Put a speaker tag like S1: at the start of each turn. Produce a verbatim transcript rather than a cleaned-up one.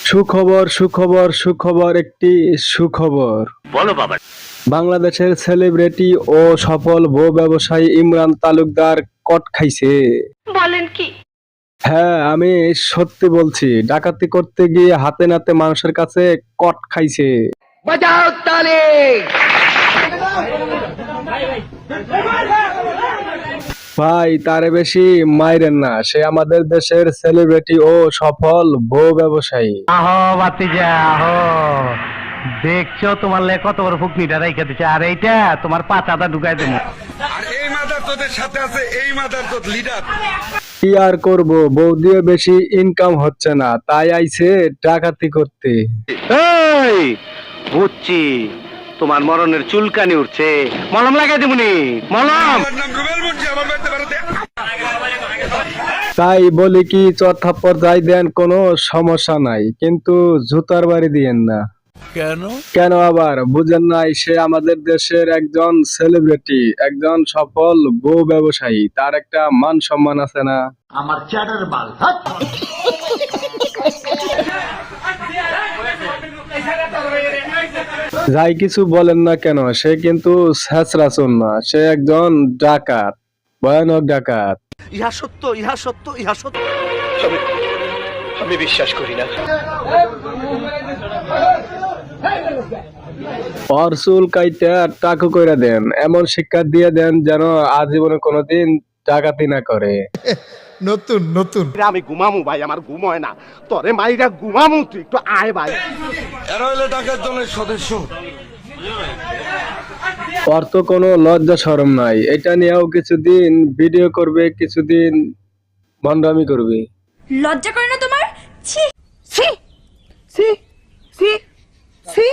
S1: সুখবর সুখবর সুখবর একটি সুখবর।
S2: বলো বাবা।
S1: বাংলাদেশের সেলিব্রিটি ও সফল বউ ব্যবসায়ী ইমরান তালুকদার কট খাইছে।
S3: বলেন কি?
S1: হ্যাঁ, আমি সত্যি বলছি, ডাকাতি করতে গিয়ে হাতে নাতে মানুষের কাছে কট খাইছে।
S2: বাজাও তালি।
S1: ভাই, তারে বেশি মাইরেন না, সে আমাদের দেশের সেলিব্রিটি ও সফল বউ ব্যবসায়ী।
S4: আহো বাতিজা আহো, দেখছো তোমার লে কত বড় ফুকনিটা রাইখা দিছে, আর এইটা তোমার পাচাটা ঢুকাই দেবো।
S5: আর এই মাদার তোদের সাথে আছে, এই মাদার তোর লিডার।
S1: কি আর করবো, বউ দিয়ে বেশি ইনকাম হচ্ছে না, তাই আইছে ডাকাতি করতে।
S4: এই বুঝছি, তোমার মরণের চুলকানি উঠছে, মলম লাগাই দেবনি মলম।
S5: আমার নাম রুবেল মুন্সি, আমার বাড়িতে বেড়াতে।
S1: তাই বলি কি, চথাপ্পর যাই দেন, কোনো সমস্যা নাই, কিন্তু জুতার বাড়ি দিয়েন না।
S5: কেন?
S1: কেন আবার বুঝেন নাই? সে আমাদের দেশের একজন সেলিব্রিটি, একজন সফল বউ ব্যবসায়ী, তার একটা মান সম্মান আছে না?
S4: আমার চ্যাটার বাল।
S1: যাই কিছু বলেন না কেন, সে কিন্তু ছেঁচড়াচোর না, সে একজন ডাকাত, ভয়ানক ডাকাত।
S2: ইহা সত্য, ইহা সত্য, ইহা সত্য। আমি বিশ্বাস করি না।
S1: ওর চুল কাইটা টাকু কইরা দেন, এমন শিক্ষা দিয়ে দেন যেন আজীবনে কোনোদিন ডাকাতি না করে।
S6: নতুন নতুন
S2: আমি ঘুমামু ভাই, আমার ঘুম হয় না। তোরে মাইরা ঘুমামু, তুই একটু আয় ভাই।
S5: এরা হলো ডাকাত দলের সদস্য।
S1: ওর তো কোনো লজ্জা শরম নাই, এটা নিয়েও কিছুদিন ভিডিও করবে, কিছুদিন ভণ্ডামি করবে।
S3: লজ্জা করে না তোমার? ছি ছি।